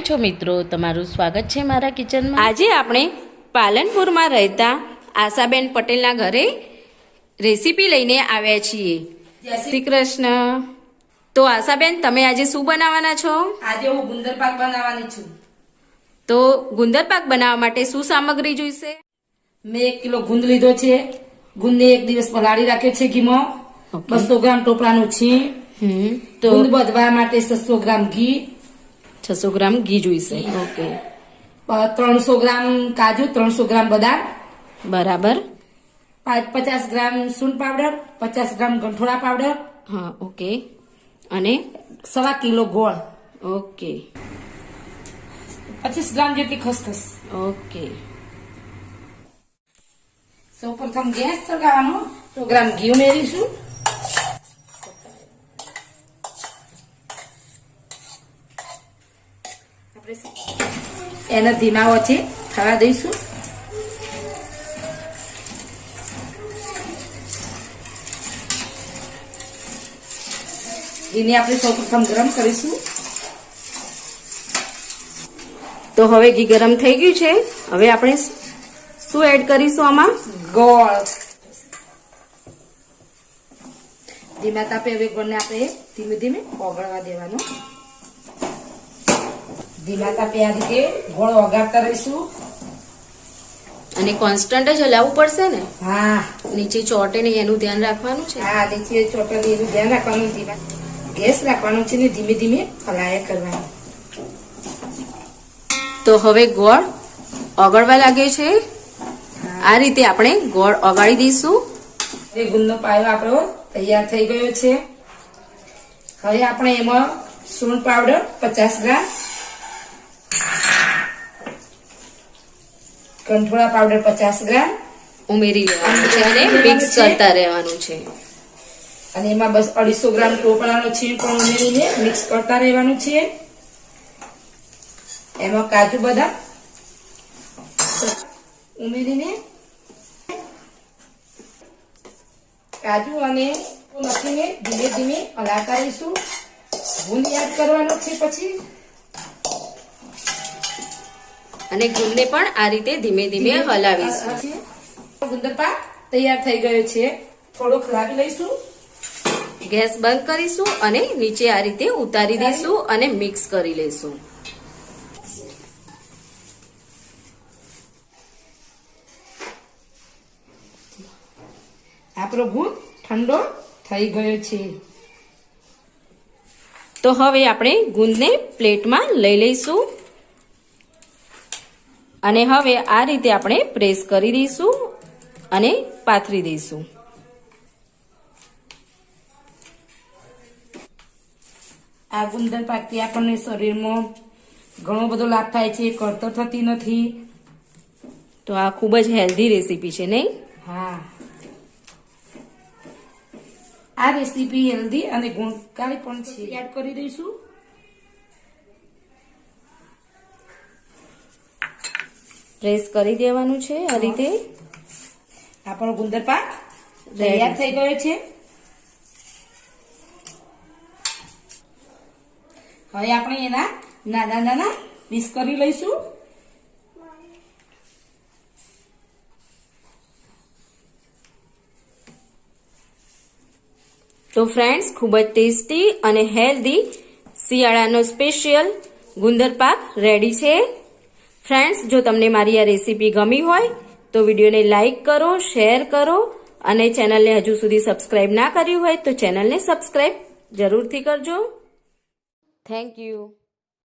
છો મિત્રો, તમારું સ્વાગત છે મારા કિચનમાં। આજે આપણે પાલનપુરમાં રહેતા આશાબેન પટેલના ઘરે રેસીપી લઈને આવ્યા છીએ। જય શ્રી કૃષ્ણ। તો આશાબેન, તમે આજે શું બનાવવાના છો? આજે હું ગુંદર પાક બનાવવાની છું। તો ગુંદર પાક બનાવવા માટે શું સામગ્રી જોઈશે? મેં 1 કિલો ગુંદ લીધો છે। ગુંદને 1 દિવસ પલાળી રાખ્યો છે ઘીમાં। 200 ગ્રામ ટોપરાનું છીણ, તો ગુંદ બધવા માટે 600 ગ્રામ ઘી, 600 ગ્રામ ઘી જોઈશે। ઓકે, 300 ગ્રામ કાજુ, 300 ગ્રામ બદામ, બરાબર। 50 ગ્રામ સૂંઠ પાવડર, 50 ગ્રામ ગંઠોડા પાવડર, હા, ઓકે। અને 1.25 કિલો ગોળ, ઓકે 25 ગ્રામ જેટલી ખસખસ। ઓકે। સૌપ્રથમ ગેસ સળગાવવાનો, 100 ગ્રામ ઘી ઉમેરીશું। એને ધીમા વચ્ચે થવા દઈશું। ઘીને આપણે સૌપ્રથમ ગરમ કરીશું। તો હવે ઘી ગરમ થઈ ગયું છે। હવે આપણે શું એડ કરીશું આમાં? ગોળ। ધીમા તાપે હવે ગોળને આપણે ધીમે ધીમે ઓગળવા દેવાનો। ધીમા તાપે આ રીતે ગોળ ઓગાળતા રહીશું। અને કોન્સ્ટન્ટ જ હલાવવું પડશે ને? હા નીચે ચોટે નહીં એનું ધ્યાન રાખવાનું છે। હા, નીચે ચોટલી એનું ધ્યાન રાખવાનું। ધીમા ગેસ રાખવાનો છે ને ધીમે ધીમે હલાયા કરવાનું। તો હવે ગોળ ઓગળવા લાગે છે। આ રીતે આપણે ગોળ ઓગાળી દઈશું। હવે ગુંદનો પાયો આપણો તૈયાર થઈ ગયો છે। હવે આપણે એમાં સૂંઠ પાવડર 50 ગ્રામ, ગંઠોડા પાવડર 50 ગ્રામ ઉમેરી લેવાનું છે અને મિક્સ કરતા રહેવાનું છે। અને એમાં બસ 250 ગ્રામ ટોપરાનો છીણ પણ ઉમેરીને મિક્સ કરતા રહેવાનું છે। એમાં કાજુ બદામ ઉમેરીને કાજુ અને નાખીને ધીમે ધીમે હલાવતા રહીશું। ગુંદ એડ કરવાનો છે પછી, અને ગુંદને પણ આ રીતે ધીમે ધીમે હલાવીશું। ગુંદર પાક તૈયાર થઈ ગયો છે। થોડોક હલાવી લઈશું। ગેસ બંધ કરીશું અને નીચે આ રીતે ઉતારી દઈશું અને મિક્સ કરી લઈશું। આપણો ગુંદ ઠંડો થઈ ગયો છે। તો હવે આપણે ગુંદને પ્લેટમાં લઈ લઈશું અને હવે આ રીતે આપણે પ્રેસ કરી દઈશું અને પાથરી દઈશું। આ ગુંદર પાકથી આપણને શરીરમાં ઘણો બધો લાભ થાય છે। કળતર થતી નથી। તો આ ખૂબ જ હેલ્ધી રેસીપી છે, નહીં? હા, આ રેસીપી હેલ્ધી અને ગુણકારી પણ છે। એડ કરી દઈશું। પ્રેસ કરી દેવાનું છે આ રીતે। આપણો ગુંદર પાક તૈયાર થઈ ગયો છે। હવે આપણે એના નાના નાના પીસ કરી લઈશું। તો ફ્રેન્ડ્સ, ખૂબ જ ટેસ્ટી અને હેલ્ધી શિયાળાનો સ્પેશિયલ ગુંદર પાક રેડી છે। ફ્રેન્ડ્સ, જો તમને મારી આ રેસીપી ગમી હોય તો વિડીયોને લાઇક કરો, શેર કરો અને ચેનલને હજુ સુધી સબસ્ક્રાઇબ ના કર્યું હોય તો ચેનલને સબસ્ક્રાઇબ જરૂરથી કરજો। Thank you.